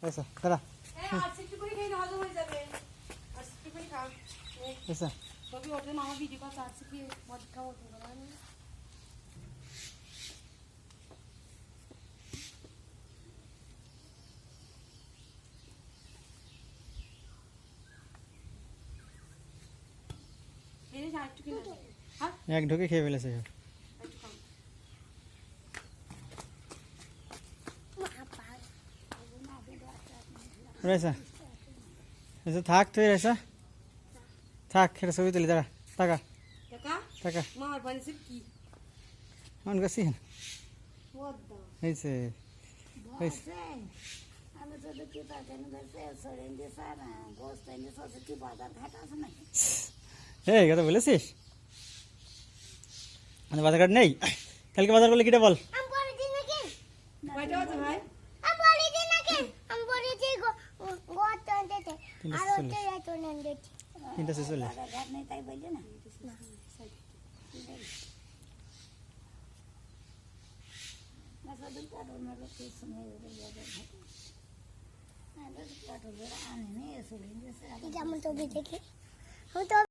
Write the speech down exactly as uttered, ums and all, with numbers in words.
ऐसा करा এই আজকে একটু করে খেয়ে হজম হয়ে যাবে আজকে একটু করে খাও ऐसा কবি ওঠে মামা ভিডিও কল আজকে কি মদ খাও তোমরা না এনে যা একটু কিনা হ্যাঁ এক ঢোকে খেয়ে ফেলেছে একটু খাও ऐसा ऐसा থাক তুই ऐसा থাক এটা ছবি তুলি দাঁড়া টাকা টাকা টাকা মার বানিয়েছে কি মন গেছি বদ্দা হয়েছে হয়েছে আমি তো দেখি তাকে সরেন দিয়ে স্যার গোস্ত এনে সব কি বাজার ঘাট আছে নাকি এই কথা বলেছিস মানে বাজার ঘাট নেই কালকে বাজার করলে কিটা বল আমি বলি দিন নাকি কয়টা আছে ভাই আমি বলি দিন নাকি আমি বলি যে গোত আনতে আর ওতে এত নেন দেখি তিনটা শেষ হলে বাজার ঘাট নেই তাই বলি না না সাদুল কাটর না লোক শুনে বাজার ঘাট আরে কাটর আনে নে সরেন দিয়ে স্যার যেমন তো দেখি আমি তো